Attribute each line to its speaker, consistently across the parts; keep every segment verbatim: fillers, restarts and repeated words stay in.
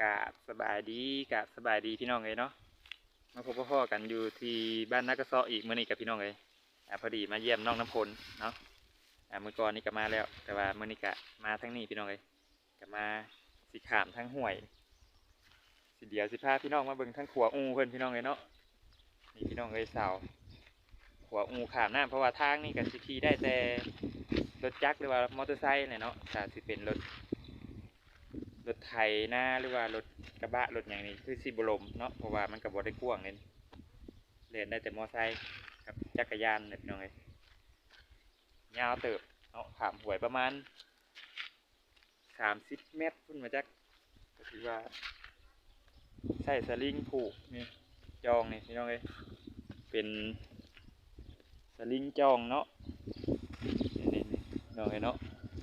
Speaker 1: กะสบายดีกะสบายดีพี่น้องเลยเนาะมาพบพ่อกันอยู่ที่บ้านนักกระเซาะอีกเมื่อนี้กับพี่น้องเลยอ่าพอดีมาเยี่ยมน้องน้ำพลเนาะอ่าเมื่อก่อนนี่ก็มาแล้วแต่ว่าเมื่อนี้กะมาทั้งนี้พี่น้องเลยก็มาสิขามทั้งห่วยสิเดียวสิพาพี่น้องมาเบิ่งทั้งขัวอูเพิ่นพี่น้องเลยเนาะนี่พี่น้องเลยสาวขัวอูขามน้ำเพราะว่าทางนี่ก็สิขี่ได้แต่รถจักรหรือว่ามอเตอร์ไซค์เนี่ยเนาะถ้าสิเป็นรถรถไถนาหรือว่ารถกระบะรถอย่างนี้คือสิบลมเนาะเพราะว่ามันกับบได้กว้างเลยเล่นได้แต่มอไซค์กับจักรยานเนี่ยพี่น้องเลยยาวเติบเนาะขามหวยประมาณสามสิบเมตรพุ่นมาจักก็ถือว่าใส่สลิงผูกนี่จองนี่พี่น้องเลยเป็นสลิงจองเนาะนี่นี่น้องเลยเนาะ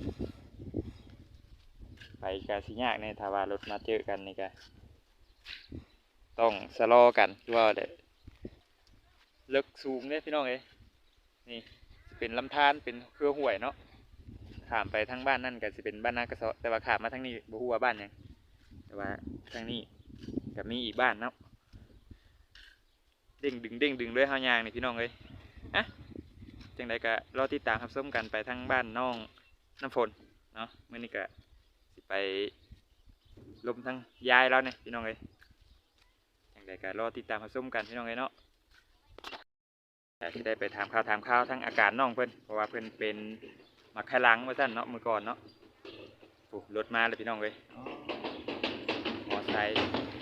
Speaker 1: ไปกาสิยากเนี่ยถ้าว่ารถมาเจอกันนี่ก็ต้องสะลอกันว่าเด็กเลิกสูงเนี่ยพี่น้องเอ้ยนี่เป็นลำธารเป็นเครือห่วยเนาะข้ามไปทางบ้านนั่นก็จะเป็นบ้านนากระเซาะแต่ว่าข้ามมาทางนี้บ่ฮู้ว่าบ้านหยังแต่ว่าทางนี้ก็มีอีกบ้านเนาะเด้งดึงเด้งดึงด้วยเฮายางนี่พี่น้องเอ้ยอะจังใดก็รอติดตามรับชมกันไปทางบ้านน้องน้ำฝนเนาะมื้อนี้ก็ไปลมทั้งยายแล้วเนี่ยพี่น้องเลยอย่างไรก็รอติดตามมาส้มกันพี่น้องเลยเนาะแต่ที่ได้ไปถามข่าวถามข่าวทั้งอาการน้องเพิ่นเพราะว่าเพิ่นเป็นมักไคลังมาสั้นเนาะเมื่อก่อนเนาะโอ้รถมาเลยพี่น้องเลยมอไซค์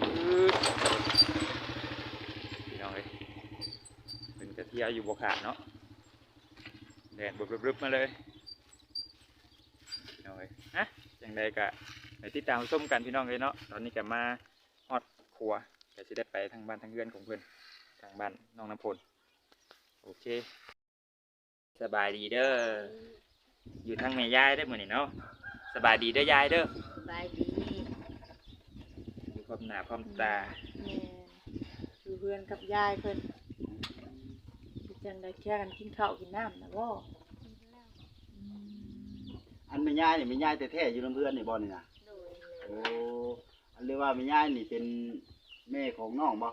Speaker 1: พี่น้องเลยเป็นกระเทียอยู่บกขาดเนาะแดดบึบๆมาเลยพี่น้องเลยฮะอย่างไรก็ไปติดตามส้มกันพี่น้องเลยเนาะตอนนี้ก็มาฮอดครัวก็จะได้ไปทางบ้านทางเรือนของเพื่อนทางบ้านน้องน้ำพลโอเคสบายดีเด้ออยู่ทางแม่ยายได้เหมือนนี่เนาะสบายดีเด้อยายเด้อ
Speaker 2: สบายดี
Speaker 1: อยู่พร้อมหน้าพร้อมตา
Speaker 2: อยู่เพื่อนกับยายเพิ่นจังได้แค่กันกินข้าวกินน้ำนะบ่
Speaker 3: อันแม่ยายนี่แม่ยายแท้ๆอยู่ลำเพื่อนนี่บ่นี่นะโอ้อันเรียกว่าแม่ยายนี่เป็นแม่ของน้องบ่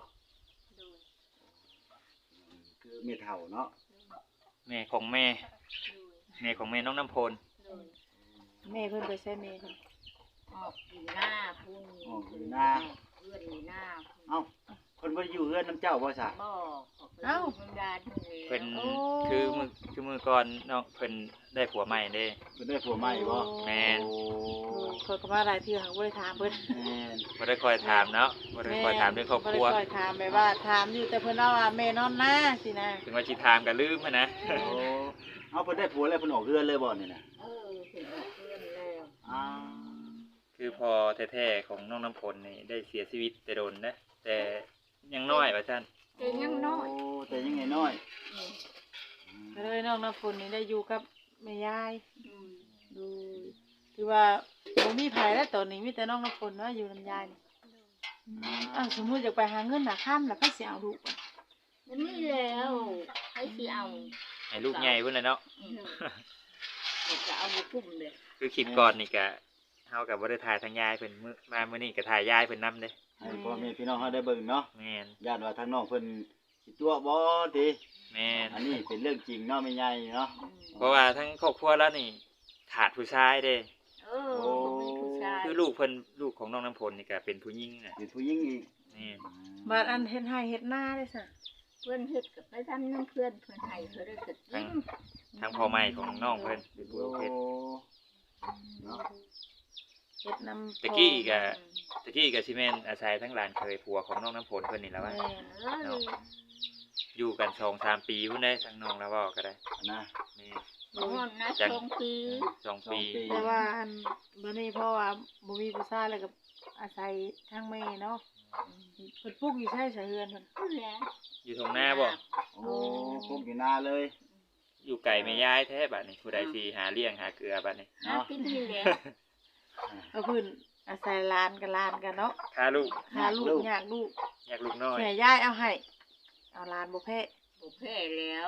Speaker 3: คือแม่เฒ่าเนาะ
Speaker 1: แม่ของแม่แม่ของแม่น้องน้ำพล
Speaker 2: แม่เพิ่นไปใช้แม่เพิ่น
Speaker 4: ออกอยู่หน้าพุ่ง
Speaker 3: ออกอยู่หน้า
Speaker 4: เพื่อนอยู่หน้า
Speaker 3: เอ้าเพิ่นบ่ได้อยู่เฮือนน้ำเจ้าบ่ซะ
Speaker 4: บ่เอ้าเพิ่นดาด
Speaker 1: เพิ่นคือมือคือมือก่อนน้องเพิ่นได้ผัวใหม่เด้
Speaker 3: เพิ่นได้ผัวใหม่บ่
Speaker 1: แม่น
Speaker 2: เพิ่นก็มาหลายเทื่อหักบ่ได้ถามเพิ่น
Speaker 3: แม่น
Speaker 1: บ่ได้คอยถามเนาะบ่ได้คอยถามเรื่องครอบครัว
Speaker 2: บ่ได้คอยถามแบบว่าถามอยู่แต่เพิ่นเล่าว่าแม่นอนนาสินะ
Speaker 1: ถึงว่าสิถามก็ลืมหั่นนะ
Speaker 3: โอ้เอาเพิ่นได้ผัวแล้วเพิ่นออกเฮือนเลยบ่นี่น่ะ
Speaker 4: เออเพิ่นออกเฮือนแล้ว
Speaker 3: อ้าว
Speaker 1: คือพอแท้ๆของน้องน้ำพลนี่ได้เสียชีวิตแต่โดนนะแต่ยังน้อยว่าซั่น
Speaker 4: แต่ยังน้อย
Speaker 3: โอ้แต่ยังไงน้อย
Speaker 2: ก็เลยน้องน้ำฝนนี่ได้อยู่กับแม่ยาย
Speaker 4: อืม
Speaker 2: ดูคือว่าบ่มีไผแล้วตอนนี้มีแต่น้องน้ำฝนเนาะอยู่นำยายนี่อ้าวสมมุติอยากไปหาเงินหาค่ำแล้วไผสิเอาลูกบ่
Speaker 4: มันนี่แล้วให้สิเอา
Speaker 1: ให้ลูกใหญ่พุ่นน่ะเนาะ
Speaker 4: จะเอาบ่คุ้มเด้
Speaker 1: คือคลิปก่อนนี่ก็เฮาก็บ่ได้ถ่ายทางยายเพิ่นมื้อมามื้อนี้ก็ถ่ายยายเพิ่นนำเด้
Speaker 3: ให้พ่อแม่พี่น้องเฮาได้เบิ่งเนาะ
Speaker 1: แม่น
Speaker 3: ญาติว่าทางน้องเพิ่นสิตัวบ่ติ
Speaker 1: แม่น
Speaker 3: อันนี้เป็นเรื่องจริงเนาะแม่ใหญ่เนาะ
Speaker 1: เพราะว่าทั้งครอบครัวแล้วนี่ขาดผู้ชายเด้
Speaker 4: เออบ่มีผู้ชาย
Speaker 1: คือลูกเพิ่นลูกของน้องน้ำพลนี่ก็เป็นผู้หญิงน่ะ
Speaker 3: เป็นผู้หญิงอีก
Speaker 1: นี่
Speaker 2: บัดอันเฮ็ดให้เฮ็ดหน้าได้ซะ
Speaker 4: เพิ่นเฮ็ดก็ไปทำน้ำเพิ่นเพิ่นให้เพิ่นได้ก็กิน
Speaker 1: ทั้งพ่อใหม่ของน้องเพิ่นเป็นผู้เฮ็ด
Speaker 3: เนาะ
Speaker 2: เฮ็ดนำ
Speaker 1: ตะกี้ก็ตะกี้ก็สิแม่นอาศัยทั้งหลานเคยผัวของน้องน้ำพลเพิ่นนี่ล่ะว่าเนาะอยู่กัน สองสาม ปีพุ่นได้ทั้งน้องแล้วเว้าก็ได้
Speaker 3: นะ
Speaker 1: นี่
Speaker 4: บ่ฮอดนะสองปี
Speaker 1: สองปี
Speaker 2: แต่ว่าอันบัดนี้เพราะว่าบ่มีผู้ชายแล้วก็อาศัยทางแม่เนาะเพิ่นปลูกอยู่ใช่ไสเฮือนเพิ่น
Speaker 4: นั่นแหละ
Speaker 1: อยู่ตรงหน้าบ่
Speaker 3: โอ้ปลูกอยู่นาเลย
Speaker 1: อยู่ไกลแม่ยายแท้บัดนี้ผู้ใดสิหาเลี้ยงหาเกลือบัดนี้
Speaker 4: เนาะกินนี่แหละ
Speaker 2: เอาเพิ่นอาศัยหลานกับหลานกันเนาะ
Speaker 1: หาลูก
Speaker 2: หาลูกอยากลูก
Speaker 1: อยากลูกน้อย
Speaker 2: แม่ยายเอาให้เอาหลานบ่แพ้
Speaker 4: บ่แพ้แล้ว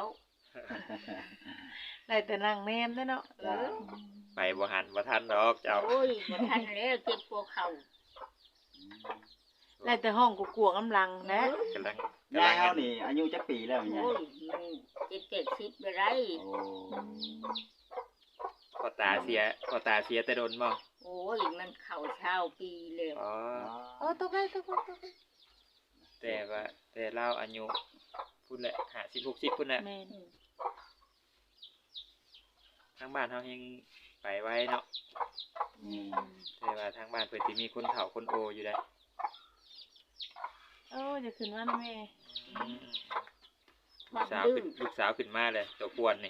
Speaker 2: ได้แต่นั่งแนมเด้อเนาะเออ
Speaker 1: ไปบ่หันบ่ทันดอกเจ้า
Speaker 4: โอ้ยบ่ทันแล้วเจ็บปวดเข่า
Speaker 2: แล้วแต่ห้องกวกๆกำลังนะ
Speaker 1: กำลัง
Speaker 3: ยายเฮานี่อายุจักปีแล้วยาย
Speaker 4: โอ้ยมันเจ็ดเจ็ดสิบไปไร
Speaker 3: โอ้
Speaker 1: พอตาเสียพอตาเสียแต่โดนบ่
Speaker 4: โอ้ยมันเข่าเช้าปีเลย
Speaker 1: อ๋อ
Speaker 2: โอ้ตกไปตกไปตกไป
Speaker 1: แต่ว่าแต่เราอายุพุ่นแหละห้าสิบหกสิบพุ่นแหละ
Speaker 2: แม่น
Speaker 1: ทางบ้านเฮายังไปไว้เนาะ
Speaker 3: อืม
Speaker 1: แต่ว่าทางบ้านเพิ่นสิมีคนเฒ่าคนโออยู่ได้
Speaker 2: โอ้จะขึ้นว่านะแม่
Speaker 1: อืม
Speaker 4: ค
Speaker 1: ลู
Speaker 4: วาก ม
Speaker 1: สาว
Speaker 4: ดื้
Speaker 1: ขึ้
Speaker 4: อน
Speaker 1: ลูกสาวขึ้นมาเลยตัวกวนนี่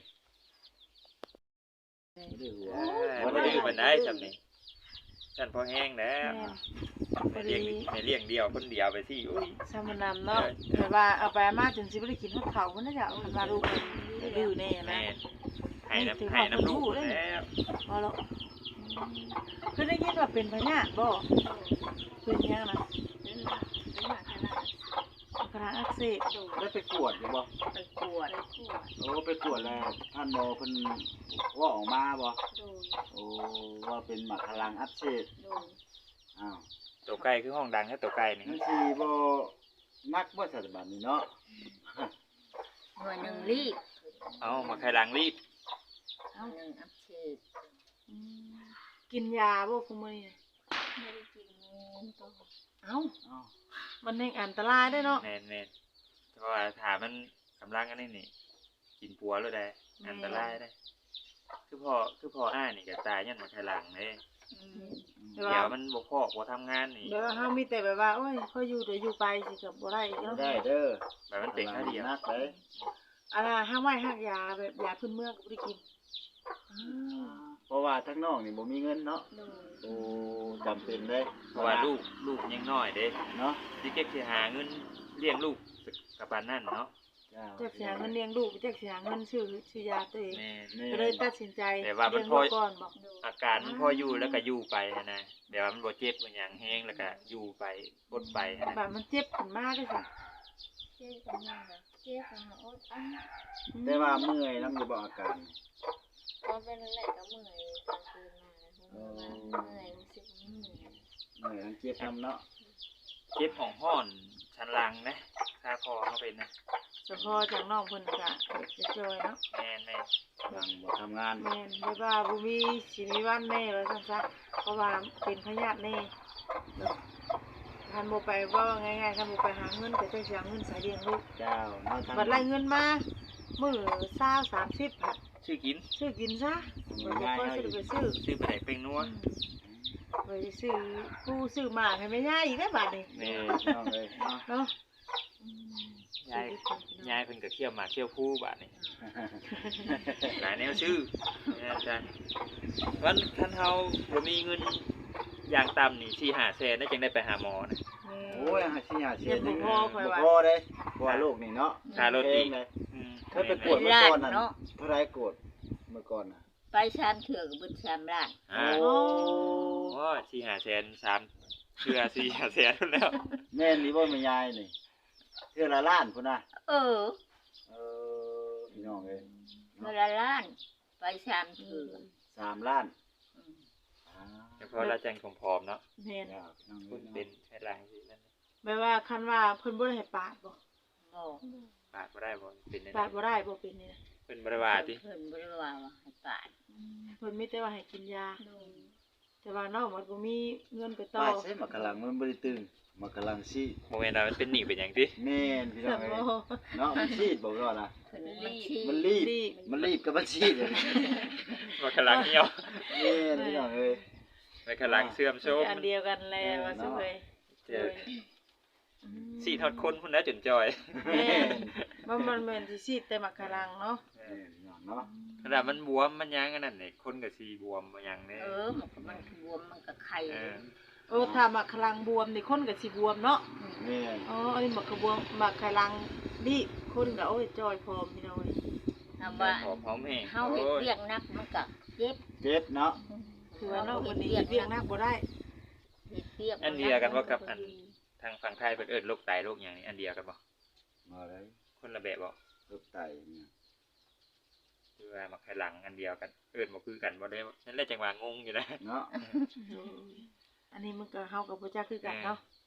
Speaker 3: บ่ได้หัว
Speaker 1: เอ้ยบ่ดื้อปานใดซำนี่ฉันพอแห้งแล้ว
Speaker 2: แม่น
Speaker 1: ในเลี้ยงในเลี้ยงเดียวคนเดียวไปสิอุ้ย
Speaker 2: สมนำเนาะแต่ว่าเอาไปมาจนสิบ่ได้กินฮอดข้าวมันน่ะจ้ะคันว่าลูกมันดื้อแน่นะ
Speaker 1: แม่ให้น้ำให้น้ำลูกแล้ว
Speaker 2: บ่หรอกคือได้ยินว่าเป็นพญาติบ่เป็นหยังนะ
Speaker 4: เป็นมาเป็นมาขนาด
Speaker 2: กระอักเสบ
Speaker 3: ได้ไปกวดอยู่บ่
Speaker 4: ไปกวด
Speaker 3: โอ้ไปกวดแล้วท่านหมอเพิ่นว่าออกมาบ่
Speaker 4: โดย
Speaker 3: โอ้ว่าเป็นหมักพลังอักเสบ
Speaker 4: โดย
Speaker 3: อ้าว
Speaker 1: ตัวไก่คือห้องดังแค่ตัวไก่นี่
Speaker 3: นั่นสิบ่นักบ่สัตว์บัดนี้เนาะ
Speaker 4: หน่วยหนึ่งรีบ
Speaker 1: เอามาไข่หลังรีบ
Speaker 4: เอาหนึ่งอัพเชด
Speaker 2: อืมกินยาบ่คุมื้อนี้
Speaker 4: ไม่ได้กินต่อ
Speaker 2: เอ้า
Speaker 3: อ้าว
Speaker 2: มันแห่งอันตรายได้เนาะ
Speaker 1: แม่นแม่นเพราะว่าถามมันกำลังอันนี้นี่ กินปัวแล้วได้อันตรายได้ คือพ่อคือพ่ออ้ายนี่ก็ตายยันมาไข่หลังเด้
Speaker 4: อืม
Speaker 2: เดี๋
Speaker 1: เดี๋
Speaker 2: ย
Speaker 1: ยว วมันบ่พอกบ่ทำงานนี่
Speaker 2: เดี๋ยวเฮามีแต่แบบว่าโอ้ยเขาอยู่เดี๋ยวอยู่ไปสิก็บ่ได้อีก
Speaker 3: บ่
Speaker 2: เนาะ
Speaker 3: ได้เด้อ
Speaker 1: แบบมันเป็นแค่เดียว
Speaker 3: นักเลย
Speaker 2: อันน่ะห้ามไว้ห้ามยาแบบยาพื้นเมืองก็บ่ได้กินอ้าว
Speaker 3: เพราะว่าทั้งน้องนี่บ่มีเงินเนาะ
Speaker 4: โดย
Speaker 3: โอ้จำเป็นเลย
Speaker 1: เพราะว่าลูกลูกยังน้อยเด้
Speaker 3: เนาะ
Speaker 1: สิเก็บสิหาเงินเลี้ยงลูกกับปานนั้นเนาะ
Speaker 3: เจ้า
Speaker 2: จักสิหาเงินเลี้ยงลูกจักสิหาเงินซื้อซื้อยาตัวเอง
Speaker 1: แม่น
Speaker 3: แม่
Speaker 2: ก็เลยตัดสินใจ
Speaker 1: แต่ว่ามัน
Speaker 2: เลี้ยง
Speaker 1: พอ
Speaker 2: ลูกก่อนบอก
Speaker 4: โดย
Speaker 1: อาการมันพออยู่แล้วก็อยู่ไปหั้นนะเดี๋ยวมันบ่เจ็บบ่หยังแห้งแล้วก็อยู่ไปอดไปหั้น
Speaker 2: แบ
Speaker 1: นะ
Speaker 2: บมันเจ็บขึ้นมาด้วยค่ะ
Speaker 4: เจ๊กันยังไงเจ๊กันมาโอ๊ตอ่ะ
Speaker 3: แต่ว่าเมื่อยนำอยู่บ่อาการ
Speaker 4: ก็เป็นแหละก็เมื่อยกลางคืนมาแล้วเมื่อยรู้สึกเมื่อย
Speaker 3: เมื่อยอันเจ็บนำเนาะ
Speaker 1: เจ็บของห้อนชันหลังนะถ้าคอเขาเป็นนะ
Speaker 2: เฉพาะจากน้องเพิ่นก็จะจอยเนาะ
Speaker 1: แม่นแม่น
Speaker 3: หลังบ่ทำงาน
Speaker 2: แม่นไม่ว่าบ่มีสิมีวันแน่ว่าซั่นซะเพราะว่าเป็นพยาธิแน่เนาะคันบ่ไปว่าง่ายๆคันบ่ไปหาเงินก็จักสิหาเงินใส่เลี้ยงลูก
Speaker 3: เจ้าเนาะทาง
Speaker 2: บัดไล่เงินมามื้อเช้าสามสิบค่ะ
Speaker 1: ชื่อกิน
Speaker 2: ซื้อกินซะบ่บ่ค่อยสิได้ไปซื้อ
Speaker 1: ชื่อไปไหนเป็นนัว
Speaker 2: ไปซื้อกูซื้อหมาให้แม่ย่าอีกแล้วบัดนี้
Speaker 3: แม่น้องเอ้ยเนาะ
Speaker 2: เนาะ
Speaker 1: ยายยายเพิ่นก็เคี่ยวหมากเคี่ยวผู้บาดนี่หลายแนวชื่อนะจ๊ะวันท่านเฮาบ่มีเงินอย่างต่ำนี่สี่ห้าแสนได้จังได้ไปหาหมอนะ
Speaker 3: โอ้ยหาสิหาเสีย
Speaker 2: เจ็บบ่พอค่อย
Speaker 3: บ่
Speaker 2: ว่า
Speaker 3: พอเด้เพราะว่าโรคนี่เนาะ
Speaker 1: ค่ารถอีก
Speaker 3: แพงเลย
Speaker 1: อืม
Speaker 3: เคยไปกวดเมื่อก่อนน่ะเท่าไรกวดเมื่อก่อนน่ะ
Speaker 4: ไปชามเถื่อกับบุญชามร้าน
Speaker 1: อ่า
Speaker 3: โอ้
Speaker 1: โอ้สี่ห้าแสนสามเชื่อสี่ห้าแสนแล้ว
Speaker 3: แม่นนี่บ่แม่ยายนี่เทื่อละล้านพุ่นน่ะ
Speaker 4: เออ
Speaker 3: เออพี่น้องเอ้ย
Speaker 4: เมื่อละล้าน ไปชามเถื่อ
Speaker 3: สามล้าน
Speaker 4: อืม
Speaker 3: อ่า
Speaker 1: เฉพาะเราแจ้งผอมๆเนาะ
Speaker 2: แม่น
Speaker 3: เจ้าพี่น้อง
Speaker 1: คุ
Speaker 3: เอ้
Speaker 1: ณ
Speaker 3: ย
Speaker 1: เป็น
Speaker 3: เนาะ
Speaker 1: แค่ลางสินั่น
Speaker 2: แม่ว่าคันว่าเพิ่นบ่ได้ให้ปาดบ่
Speaker 4: บอก
Speaker 1: ปาดบ่ได้บ่เป็นได้
Speaker 2: ปาดบ่ได้บ่เป็นนี่นะ
Speaker 1: เพิ่นบ่ได้ว่าติ
Speaker 4: เพิ่นบ่ได้ว่าว่าให้ปาด
Speaker 2: เพิ่นมีแต่ว่าให้กินยา
Speaker 4: โดย
Speaker 2: แต่ว่าน้องมันบ่มีเงินไปต่อ
Speaker 3: ป้าใช้หมากกะลังมันบ่ได้ตึงหมากกะลังซีด
Speaker 1: บ่แม่นว่ามันเป็นหนี้เป็นหยังติ
Speaker 3: แม่นพี่น้
Speaker 2: แต่
Speaker 3: องเอ้ย
Speaker 2: บ่
Speaker 3: เนาะมันซีดบ่ก็ล่ะ
Speaker 4: เพิ่นมันชี้
Speaker 3: มันรีบ มันรีบกับมันซีดเลย
Speaker 1: ว่าขลังเหี่ยว
Speaker 3: แม่นพี่น้องเอ้ย
Speaker 1: ไปขลังเสื่อมโทรม
Speaker 2: อันเดียวกันแลว่าซุเอ้ย
Speaker 1: เจอสี่ทอดคนพุ่นนะจนจอย
Speaker 2: แม่นมันมันแม่นสิซีดแต่มักกะลังเนาะ
Speaker 3: แม่นพี่น้องเนาะ
Speaker 1: ขนาดมันบวมมันหยังอันนั้นนี่คนก็สิบวมบ่หยังแน่
Speaker 4: เออมันก็มันบวมมันก็ไข่
Speaker 1: เออ
Speaker 2: เออถ้ามักกะลังบวมนี่คนก็สิบวมเนาะ
Speaker 3: แม่น
Speaker 2: อ๋ออันนี้มักกะบวมมักกะลังนี่คนก็โอ้ยจอยพร้อมพี่น้องเอ้ย
Speaker 4: ถามว่า
Speaker 1: หอมหอมแห้ง
Speaker 4: เฮาเฮ็ดเวียกนักมันก็เจ็บ
Speaker 3: เจ็บเนาะ
Speaker 2: คือว่าน้องคนนี้เวียงนักบ่ได้
Speaker 4: เฮ็ดเวียก
Speaker 1: อันเดียวกันว่ากับอันทางฝั่งไทยเพิ่นเอิ้นโรคไตโรคหยังนี่อันเดียวกันบ่
Speaker 3: มาเลย
Speaker 1: คนละแบบบ่
Speaker 3: โรคไตเนี่ย
Speaker 1: คือว่ามักขลังอันเดียวกันเอิ้นบ่คือกันบ่ได้นั่นแหละจังว่างงอยู่นะ
Speaker 3: เนาะ
Speaker 2: อันนี้มันก็เฮากับบ่จักคือกันเนาะ
Speaker 1: ก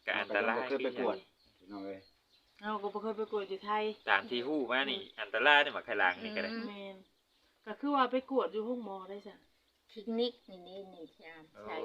Speaker 1: ก็อันตราย
Speaker 3: เคยไปกวดพี่น้องเอ้ย
Speaker 2: เราก็บ่เคยไปกวดอยู่ไทย
Speaker 1: ตามที่ฮู้มานี่อันตรายได้หมักไข่หลังนี่ก็ได้
Speaker 2: แม่นก็คือว่าไปกวดอยู่ห้องหมอได้จ้ะ
Speaker 4: คลินิกนี่นี่นี่ชาม
Speaker 1: โอ้
Speaker 4: ใช่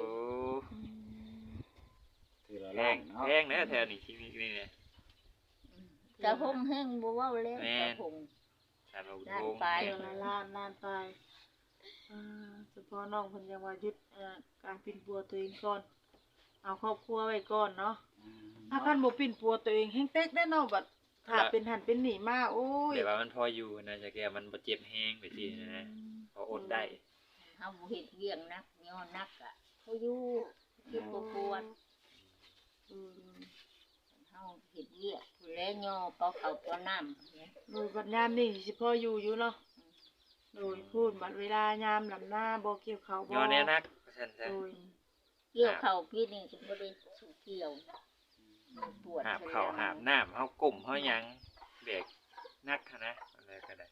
Speaker 3: ถือละ
Speaker 1: แพ
Speaker 3: ล้าน
Speaker 1: ง
Speaker 3: เนาะ
Speaker 1: แพงนะแถวนี้ที่นี่นี่เนี่ย
Speaker 4: กระพงแห้งบ่เว้าแล้วกระพง
Speaker 1: สามอุ
Speaker 4: ด้าน
Speaker 1: โมงค์
Speaker 4: ปลาย
Speaker 2: เดือนละล้านล้านไปอ่าเฉพาะน้องเพิ่นยังว่าหยุดเอ่อการปิ่นปัวตัวเองก่อนเอาครอบครัวไว้ก่อนเนาะ
Speaker 3: อืม
Speaker 2: ถ้าคันบ่ปิ่นปัวตัวเองแฮงเต็กแน่เนาะบัดถ้าเป็นหันเป็นหนีมาโอ้ย
Speaker 1: แต่ว่ามันพออยู่นะจะแกมันบ่เจ็บแฮงไปสินะพออดได้
Speaker 4: เฮาบ่เฮ็ดเวียงนักย้อนนักอ่ะเขาอยู่คือบ่ปวด
Speaker 2: อืม
Speaker 4: เฮาเฮ็ดเวียกผู้แลย่อเปาเขาเปาน้ำเนี่ย
Speaker 2: โดยบัดยามนี่สิพออยู่อยู่เนาะโดยพูดบัดเวลายามลำหน้าบ่เกี่ยวเขาวบ่
Speaker 1: ย้อนแน่นักซั่นซะ
Speaker 2: โดย
Speaker 4: เกี่ยวเข้าพี่นี่ก็บ่ได้สู่เกี่ยวมันปวด
Speaker 1: หาบข้าวหาบน้ำเฮาก้มเฮาหยังแบกนักหั้นนะอะไรก็ได้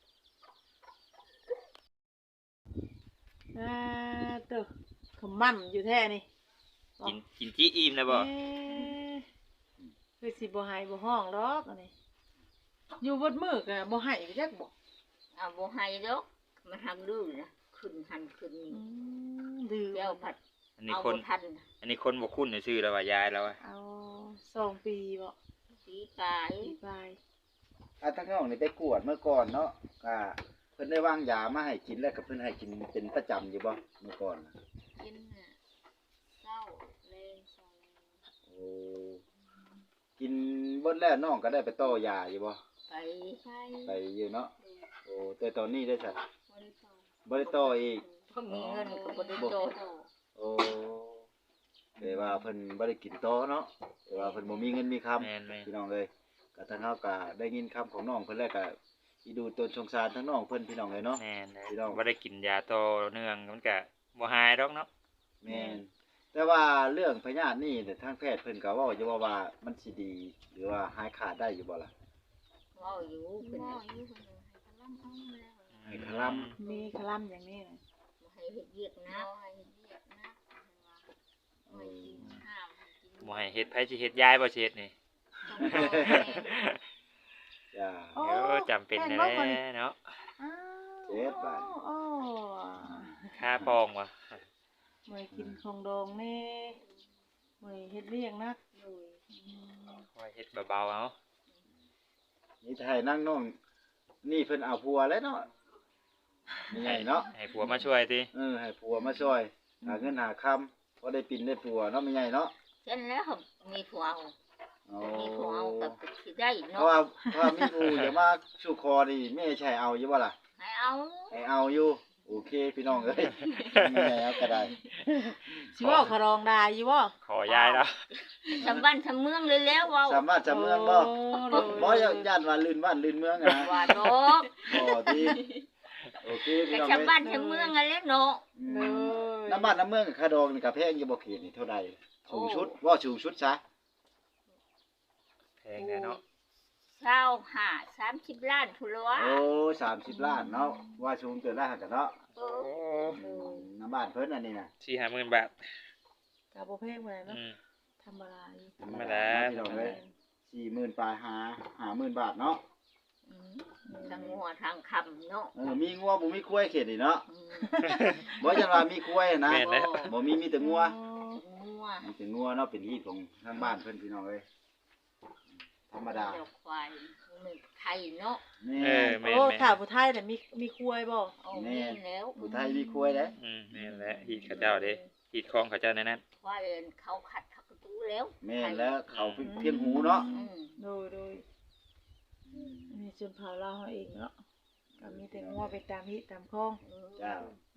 Speaker 2: อ่าเด้อขมั่นอยู่แท้นี่
Speaker 1: กินกินจี้อิ่มนะบ่
Speaker 2: เอ๊ะคือสิบ่ให้บ่ห้องดอกอันนี้อยู่เบดมื้อก็บ่ให้ไปจักบ่
Speaker 4: เอาบ่ให้ดอกมันทำดื้อนะขึ้นหันขึ้นนี่
Speaker 2: อืมดื้อ
Speaker 4: เดี๋ยวผัด
Speaker 1: อันนี้
Speaker 4: เอา
Speaker 1: คน
Speaker 4: บ่ทัน
Speaker 1: อันนี้คนบ่คุ้นชื่อแล้วว่ายายแล้วอะ
Speaker 2: เอาสองปีบ่
Speaker 4: สีกาย
Speaker 2: ปีปลาย
Speaker 3: อ่ะทั้งน้องนี่ไปกวดเมื่อก่อนเนาะก็เพิ่นได้วางยามาให้กินแล้วก็เพิ่นให้กินเป็นประจำอยู่บ่เมื่อก่อนน่ะ
Speaker 4: กินน่ะเศร้าแรงสอง
Speaker 3: โอ้กินเบิดแล้วน้องก็ได้ไปต่อยาอยู่บ่
Speaker 4: ไปใช่
Speaker 3: ไปอยู่เนาะโอ้แต่ตอนนี้ได้ซะ
Speaker 4: บ่ได้ต่อ
Speaker 3: บ่ได้ต่ออีก
Speaker 4: เพราะมีเงินก็บ่ได้ต่อ
Speaker 3: โอ้แต่ว่าเพิ่นบ่ได้กินต่อเนาะแต่ว่าเพิ่นบ่มีเงินมีคำ
Speaker 1: แม่นแม่น
Speaker 3: พี่น้องเอ้ยก็ทางเฮาก็ได้ยินคำของน้องเพิ่นแล้วก็อีดูตนสงสารทั้งน้องเพิ่นพี่น้องเอ้ยเนาะ
Speaker 1: แม่นเลย
Speaker 3: พี่น้อง
Speaker 1: บ่ได้กินยาต่อเนื่องมันก็บ่หายดอกเนาะ
Speaker 3: แม่นแต่ว่าเรื่องพยาธินี่เนี่ยทางแพทย์เพิ่นก็เว้าอยู่ว่าว่ามันสิดี หรือว่าหายขาดได้อยู่บ่ล่ะ
Speaker 4: เว้าอยู่เพิ่น
Speaker 5: บ่
Speaker 4: น่ะ
Speaker 5: อยู่เพิ่นให้กำลังเอาแล้ว
Speaker 3: ให้คลํ
Speaker 2: มีคลั่มอย่างนี้นะ
Speaker 4: บ่ให้เฮ็ดเวียกนะ
Speaker 5: บ่ให้เฮ็ดเวียกนะเพิ่นว่า
Speaker 3: เอ
Speaker 5: ให้
Speaker 3: อ
Speaker 5: กินข้าวให้กิน
Speaker 1: บ่ให้เฮ็ดไผสิเฮ็ดยายบ่สิเฮ็ดนี่
Speaker 5: ต้องรอแม่
Speaker 3: จ้า
Speaker 2: โอ้
Speaker 1: เออจำเป็น
Speaker 2: แม่
Speaker 1: แน่
Speaker 2: บ่คนนี้
Speaker 1: เนาะ
Speaker 2: อ้าว
Speaker 3: เจ็ดบาท
Speaker 2: โอ้
Speaker 1: ค่าปองว่ะ
Speaker 2: มื้อกินของดองแน่มื้อเฮ็ดเลี้ยงนัก
Speaker 5: โดย
Speaker 1: คอยเฮ็ดเบาๆเอา
Speaker 3: นี่ถ้าให้นั่งน้องนี่เพิ่นเอาผัวแล้วเนาะนี่ไงเนาะ
Speaker 1: ให้ผัวมาช่วยติ
Speaker 3: เออให้ผัวมาช่วยหาเงินหาคำบ่ได้ปินได้ผัวเนาะไม่ใหญ่เนาะ
Speaker 4: เช่นแล้วมีผัวเอา
Speaker 3: อ๋อ
Speaker 4: มีผัวเอาก็สิได้
Speaker 3: เพ
Speaker 4: เนาะ
Speaker 3: ราะว่าเพราะว่ามีผู้อย่ามาสู่คอนี่แม่ใช่เอาอยู่บ่ล่ะ
Speaker 4: ให้เอา
Speaker 3: ให้เอาอยู่โอเคพี่น้องเอ้ยแม่เอาก็ได้
Speaker 2: สิเว้าขะรองได้อยู่บ่
Speaker 1: ขอยายแล้ว
Speaker 4: ชำบ้านชำเมืองเลยแล้วเว้า
Speaker 3: สามารถจำเมืองบ่
Speaker 2: โอ้โด
Speaker 3: บ่
Speaker 2: ย
Speaker 3: ย่านว่าลื่นบ้านลื่นเมืองอะนะ
Speaker 4: ว่าดอก
Speaker 3: บ่ติโอเคพี่
Speaker 4: ก็
Speaker 3: น้อง
Speaker 4: ชำบ้า
Speaker 3: เอ้ย
Speaker 4: นชำเมืองอะแล้วเนาะ
Speaker 3: อื
Speaker 2: โด
Speaker 3: ม
Speaker 2: ย
Speaker 3: น้ำบ้านน้ำเมืองกับคาดองนี่ก็แพงอยู่บ่เขตนี่เท่าใดสูงชุดว่าสูงชุดซะ
Speaker 1: แพงแน่เนาะ
Speaker 4: เศร้าหาสามสิบล้านพุ่นละวะ
Speaker 3: โอ้สามสิบล้านเนาะว่าสูงเกินได้หั่นกันเนาะ
Speaker 4: เอ
Speaker 1: โอ้
Speaker 4: อ
Speaker 3: อืมน้ำบ้านเพิ่นอันนี้น่ะ
Speaker 1: สี่ห้าหมื่นบาท
Speaker 2: ก็บ่แพงปานใดเนาะ
Speaker 1: อืม
Speaker 2: ธรรมดาอยู่
Speaker 1: ธรรมดา
Speaker 3: พี่น้องเอ้ยสี่หมื่นปลายหาห้าหมื่นบาทเนาะ
Speaker 4: อืมทางหัวทางคำเนาะ
Speaker 3: เออมีงัวบ่มีควายเขตนี่เนาะ
Speaker 4: อืม
Speaker 3: บ่จังว่ามีควายนะ
Speaker 1: แม่นแล้ว
Speaker 3: บ่มีมีแต่งัว
Speaker 4: งัว
Speaker 3: มีแต่งัวเนาะเป็นฮีตของทางบ้านเพิ่นพี่น้องเอ้ยธรรมดา
Speaker 4: เจ้ควายมันไทยเนาะ
Speaker 3: แม่
Speaker 1: เออแม่น
Speaker 2: โอ้
Speaker 1: แม่น
Speaker 2: ถ้าผู้ไทยน่ะมีมีครัวบ่
Speaker 4: เอาแม่นแล้ว
Speaker 3: ผู้ไทยมีควายเด้
Speaker 1: อืมแม่นแล้วฮีดเขาเจ้าเด้ฮีดคองเขาเจ้าในนั้น
Speaker 4: ควายเขาขัดเขากระตูแล้ว
Speaker 3: แม่นแล้วเขาเพียงหูเนาะ
Speaker 4: อืม
Speaker 2: โดยโดยอันนี้ชนเผ่าลาวเฮาเองเนาะก็มีแต่งัวไปตามฮิตามคลอง
Speaker 3: เจ้า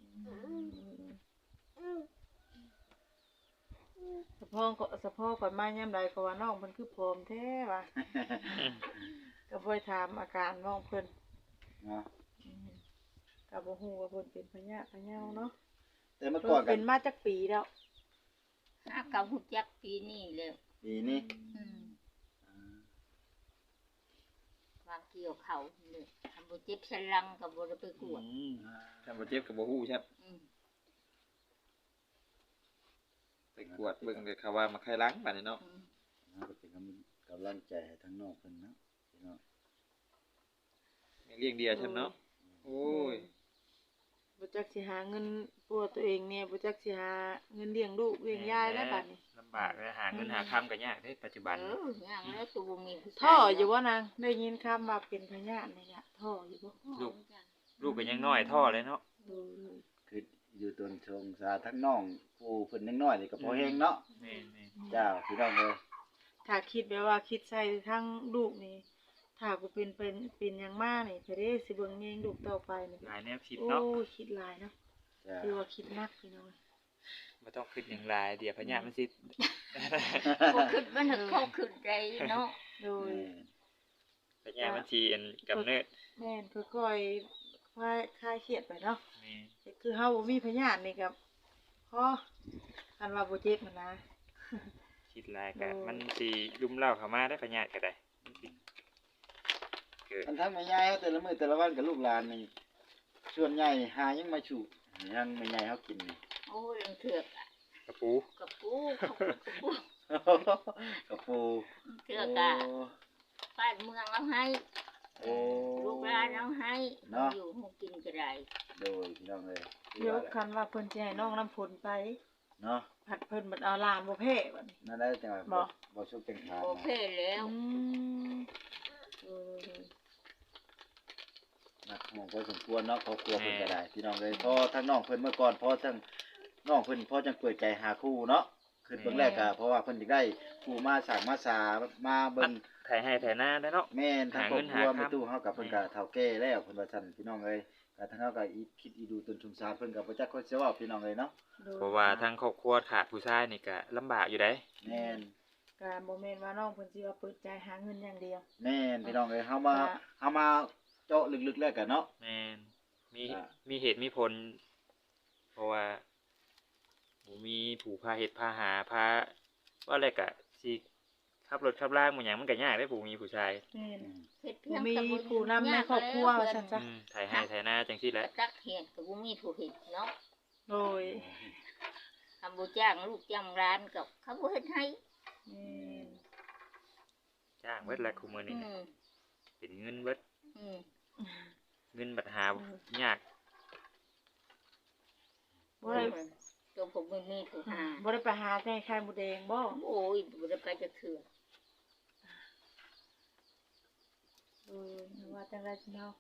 Speaker 2: สะพองก็สะพอก่อนมายามใดก็ว่าน้องเพิ่นคือผอมแท้ว่ะก็บ่ได้ถามอาการน้องเพิ่น
Speaker 3: เนาะ
Speaker 2: อืมก็บ่ฮู้ว่าเพิ่นเป็นพญะพะเยาเนาะ
Speaker 3: แต่เมื่อ
Speaker 2: เพิ่
Speaker 3: ก่อน
Speaker 2: น
Speaker 3: กั
Speaker 2: เป็น นมาจักปีแล้ว
Speaker 4: ห้ากับหุจักปีนี้แล้ว
Speaker 3: ปีนี้
Speaker 4: อืมวางเกี่ยวเขาเลยทำบุเจ็บสลังกับบุไปกวด
Speaker 1: อืมถ้าบ่เจ็บก็บ่ฮู้ครับ
Speaker 4: อืม
Speaker 1: ไปกวดเบิ่งเลยเขาว่ามาไข้หล้างบัดนี้เนาะ
Speaker 4: อืม
Speaker 3: เฮาก็เป็นกำกำลังใจให้ทั้งน้องเพิ่นเนาะพี่น้อง
Speaker 1: เลี้ยงเดียวซั่นเนาะโอ้ย
Speaker 2: บ่จักสิหาเงินปัวตัวเองเนี่ยบ่จักสิหาเงินเลี้ยงลูกเลี้ยงยายแล้วบัดนี้
Speaker 1: ลำบากเลยหาเงินหาคำก็ยากเด้ปัจจุบัน
Speaker 4: เอออย่างแล้วตัวบ่มีผู้ชาย
Speaker 2: ท่ออยู่บ่นางได้ยินคำว่าเป็นพญาตินี่ล่ะท่ออยู่บ่
Speaker 1: ลูกลูกก็ยังน้อยท่อเลยเนาะ
Speaker 2: โดย
Speaker 3: คืออยู่ต้นชงสาทั้งน้องผู้เพิ่นยังน้อยนี่ก็พอแฮงเนาะ
Speaker 1: แม่น
Speaker 3: เจ้าพี่น้องเอ้ย
Speaker 2: ถ้าคิดแบบว่าคิดใส่ทั้งลูกนี่ถ้ากูเป็นเป็นเป็นหยังมานี่เพเด้สิเบิ่งแยงลูกต่อไปนี่
Speaker 1: ๆหลายแนวคิด
Speaker 2: โอ้
Speaker 1: เนาะ
Speaker 2: คิดหลายเนาะ
Speaker 3: จ้า
Speaker 2: คือว่าคิดหนักพี่น้อง
Speaker 1: บ่ต้องคิดอย่างหลายเดี๋ยวพญามันสิ
Speaker 4: พอขึ้นมันถึงพอขึ้นใจเนาะ
Speaker 2: โดย
Speaker 1: พญามันสิอันกำเนิด
Speaker 2: แม่นค่อยๆคลายคลายเครียดไปเนาะ
Speaker 1: แม่น
Speaker 2: คือเฮาบ่มีพยานนี่กับพอคันว่าบ่เจ็บมันนะ
Speaker 1: คิดหลายก็มันสิลุ่มเล่าเข้ามาได้พญาก็ได้มันสิเกิด
Speaker 3: อันทั้งแม่ยายเฮาแต่ละมื้อแต่ละวันกับลูกหลานนี่ส่วนใหญ่หายังมาฉุยังแม่ยายเฮากินนี่
Speaker 4: โอ้ยเถือกอะ
Speaker 1: กระปู
Speaker 4: กับปูกับปู
Speaker 3: กับปู
Speaker 4: เถือกอะบ้านเมืองเอาให้
Speaker 3: โอ้
Speaker 4: ลูกหลานเอาให้
Speaker 3: เนาะ
Speaker 4: อยู่หมู่กินก็ได้
Speaker 3: โดยพี่น้องเอ้ย
Speaker 2: เดี๋ยวคันว่าเพิ่นสิให้น้องน้ำฝนไป
Speaker 3: เนาะ
Speaker 2: ผัดเพิ่นบัดเอาหลานบ่แพ้บัดนี้
Speaker 3: นั่นได้จังหวะ
Speaker 2: บ่
Speaker 3: บ่ชุบเป็นขาด
Speaker 4: โอ
Speaker 3: นะ
Speaker 4: เคแล้ว
Speaker 2: อืมเออ
Speaker 3: นักมองพอสมควรเนาะครอบครัวเพิ่นก็ได้พี่น้องเอ้ยพอทั้งน้องเพิ่นเมื่อก่อนพอทั้งน้องเพิ่นพอจังเปิดใจหาคู่เนาะคือเบิ่งแรกก็เพราะว่าเพิ่นสิได้คู่มาสร้างมาสามาเบิ่ง
Speaker 1: ถ่ายให้ถ่ายหน้าได้เนาะ
Speaker 3: แม่นทั้งครอบครัว
Speaker 1: หาเงินหา
Speaker 3: แม่
Speaker 1: คำ
Speaker 3: ตู้เฮากับเพิ่นก็เฒ่าแก่แล้วเพิ่นว่าซั่นพี่น้องเอ้ยก็ทั้งเฮาก็อีคิดอีดูตนสงสารเพิ่นก็บ่จักคนสิเว้าพี่น้องเอ้ยเนาะ
Speaker 2: โดย
Speaker 1: เพราะว่าทางครอบครัวขาดผู้ชายนี่ก็ลำบากอยู่ได้
Speaker 3: แม่น
Speaker 2: ก็บ่แม่นว่าน้องเพิ่นสิว่าเปิดใจหาเงินอย่างเดียว
Speaker 3: แม่นพี่น้องเอ้ยเฮามาเฮามาเจาะลึกๆแล้วกันเนาะ
Speaker 1: แม่นมี
Speaker 3: อ่า
Speaker 1: มีเหตุมีผล เพราะว่าบ่มีผู้พาเหตุพาหาพาว่าอะไรก็สิขับรถขับล่างมันหยังมันก็ยากได้ผู้มีผู้ชาย
Speaker 2: แม่น
Speaker 4: เฮ็ด
Speaker 2: บ่
Speaker 4: เพียง
Speaker 2: มี
Speaker 4: แต่บ่
Speaker 2: ผู้นำในครอบครัวว่าซั่นจ้ะ
Speaker 1: อืมถ่ายให้ถ่ายหน้าจังซี่แห
Speaker 4: ก
Speaker 1: ละ
Speaker 4: ระตักเห็นก็บ่มีผู้เฮ็ดเนาะ
Speaker 2: โดย
Speaker 4: คำบ่จ้างลูกจ้างร้านก็เขาบ่เฮ็ดให้
Speaker 2: แม่น
Speaker 1: จ้างเบิดแหละคุมื้อ
Speaker 4: อื
Speaker 1: นี้นะ
Speaker 4: ม
Speaker 1: เป็นเงินเบิด
Speaker 4: อืม
Speaker 1: เงินบัดหายาก
Speaker 2: บ่ได้
Speaker 4: ตัวผมบ่มีผู้หา
Speaker 2: บ่ได้ไปหาแค่ไข่หมูแดงบ่
Speaker 4: โอ้ยบ่ได้ไปจะเถื่อ
Speaker 2: เออว่าจังได๋สิเนาะ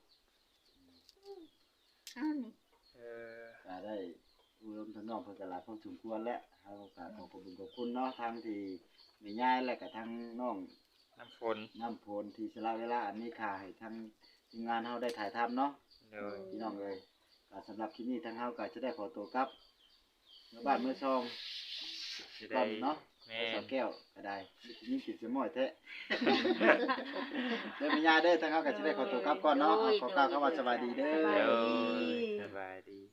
Speaker 4: อ้าวนี่
Speaker 1: เออ
Speaker 3: ก็ได้อุดมทั้งน้องเพิ่นก็หลายพอสมควรแล้วเฮาก็ขอขอบคุณขอบคุณเนาะทางที่แม่ยายและก็ทางน้อง
Speaker 1: น้ำฝน
Speaker 3: น้ำพลที่สละเวลาอันนี้ค่ะให้ทางทีมงานเฮาได้ถ่ายทำเนาะ
Speaker 1: เลย
Speaker 3: พี่น้องเอ้ยก็สำหรับคลิปนี้ทางเฮาก็จะได้ขอตัวกลับเมื่อบ้านเมื่อซอง
Speaker 1: จะ
Speaker 3: ก่
Speaker 1: ได้
Speaker 3: อนเนาะ
Speaker 1: แม่
Speaker 3: สาวแก้วก็ได้ยิ่งติดสมอยแท้ เด้อแม่ยายเด้อทางเฮาก็จะได้ขอตัวกลับก่อนเนาะเอาขอกล่าวคำว่าสวัสดีเด้
Speaker 2: สบาย
Speaker 3: อ
Speaker 1: เด้อสบายดี